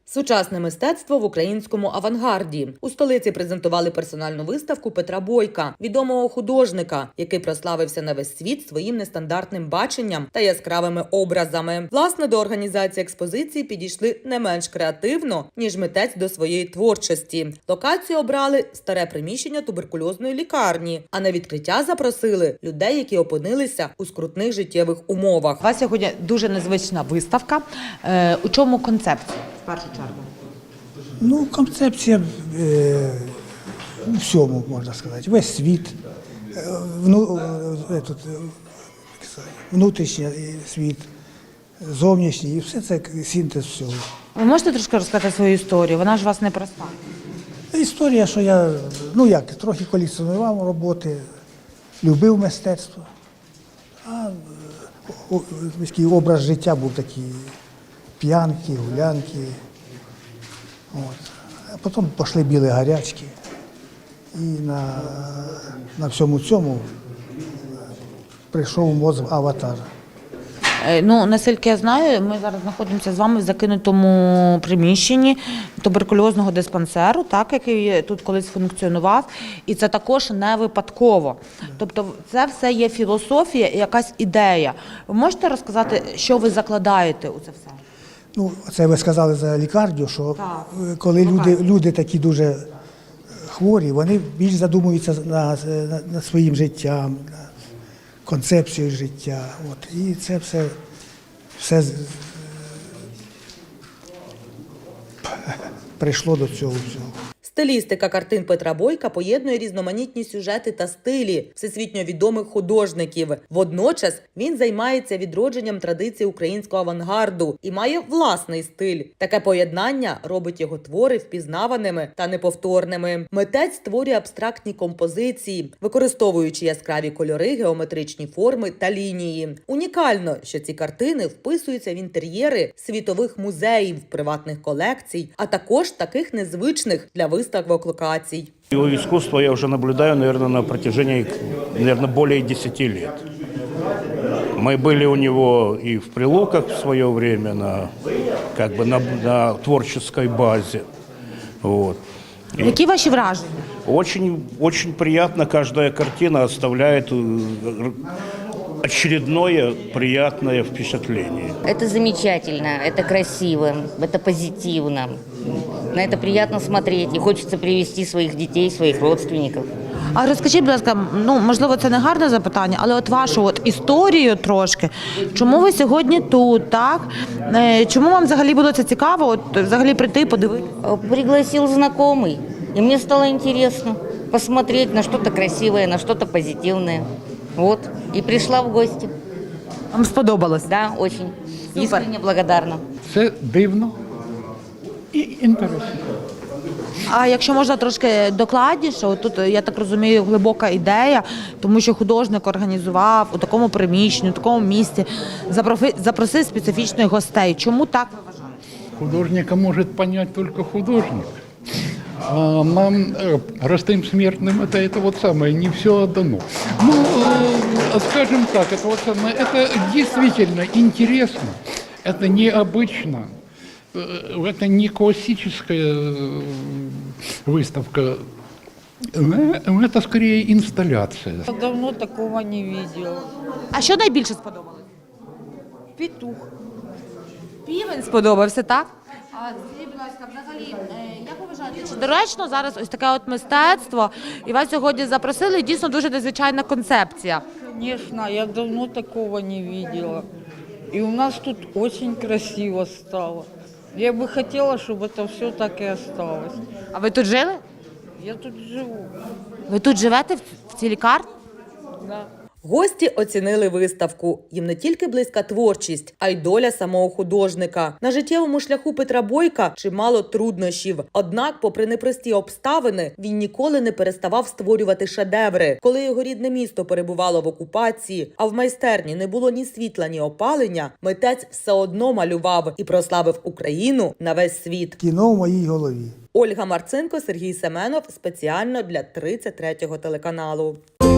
Сучасне мистецтво в українському авангарді. У столиці презентували персональну виставку Петра Бойка, відомого художника, який прославився на весь світ своїм нестандартним баченням та яскравими образами. Власне, до організації експозиції підійшли не менш креативно, ніж митець до своєї творчості. Локацію обрали старе приміщення туберкульозної лікарні, а на відкриття запросили людей, які опинилися у скрутних життєвих умовах. У вас сьогодні дуже незвична виставка. У чому концепція? В першу чергу. Концепція у всьому, можна сказати. Весь світ, внутрішній світ, зовнішній, і все це синтез всього. Ви можете трошки розказати свою історію? Вона ж у вас непроста. Історія, що я, трохи колекціонував роботи, любив мистецтво, а такий образ життя був такий, п'янки, гулянки. А потім пішли білі гарячки. І на всьому цьому прийшов мозг аватара. Наскільки я знаю, ми зараз знаходимося з вами в закинутому приміщенні туберкульозного диспансеру, який тут колись функціонував, і це також не випадково. Тобто це все є філософія і якась ідея. Ви можете розказати, що ви закладаєте у це все? Це ви сказали за лікарню, що коли люди такі дуже хворі, вони більш задумуються над своїм життям, концепцією життя. І це все прийшло до цього всього. Стилістика картин Петра Бойка поєднує різноманітні сюжети та стилі всесвітньо відомих художників. Водночас він займається відродженням традицій українського авангарду і має власний стиль. Таке поєднання робить його твори впізнаваними та неповторними. Митець створює абстрактні композиції, використовуючи яскраві кольори, геометричні форми та лінії. Унікально, що ці картини вписуються в інтер'єри світових музеїв, приватних колекцій, а також таких незвичних для виставок локацій. Его искусство я уже наблюдаю, наверное, на протяжении, более 10 лет. Мы были у него и в Прилуках в свое время на творческой базе. Які ваші враження? Очень приятно, каждая картина оставляет очередное приятное впечатление. Это замечательно, это красиво, это позитивно. На это приятно смотреть, и хочется привести своих детей, своих родственников. А розкажіть, будь ласка, можливо, це не гарне запитання, але вашу історію трошки. Чому ви сьогодні тут, так? Чому вам взагалі було це цікаво, взагалі прийти, подивитися? Пригласил знакомый, и мне стало интересно посмотреть на что-то красивое, на что-то позитивное. И пришла в гости. Вам сподобалось? Да, очень. Искренне благодарна. Це дивно і інтересно. А якщо можна трошки докладніше, тут, я так розумію, глибока ідея, тому що художник організував у такому приміщенні, у такому місці, запросив специфічних гостей. Чому так ви вважаєте? Художника може понять тільки художник. А нам, простым смертным, это не все дано. Скажем так, это действительно интересно, это необычно, это не классическая выставка, это скорее инсталляция. Я давно такого не видела. А що найбільше сподобалось? Петух. Півень сподобався, так? А скажіть, будь ласка, взагалі, як ви вважаєте, чи доречно зараз ось таке мистецтво, і вас сьогодні запросили, дійсно дуже незвичайна концепція? Конечно, я давно такого не видела. И у нас тут очень красиво стало. Я бы хотела, чтобы это все так и осталось. А ви тут жили? Я тут живу. Ви тут живете в цій лікарні? Да. Гості оцінили виставку. Їм не тільки близька творчість, а й доля самого художника. На життєвому шляху Петра Бойка чимало труднощів. Однак, попри непрості обставини, він ніколи не переставав створювати шедеври. Коли його рідне місто перебувало в окупації, а в майстерні не було ні світла, ні опалення, митець все одно малював і прославив Україну на весь світ. Кіно в моїй голові. Ольга Марцинко, Сергій Семенов. Спеціально для 33-го телеканалу.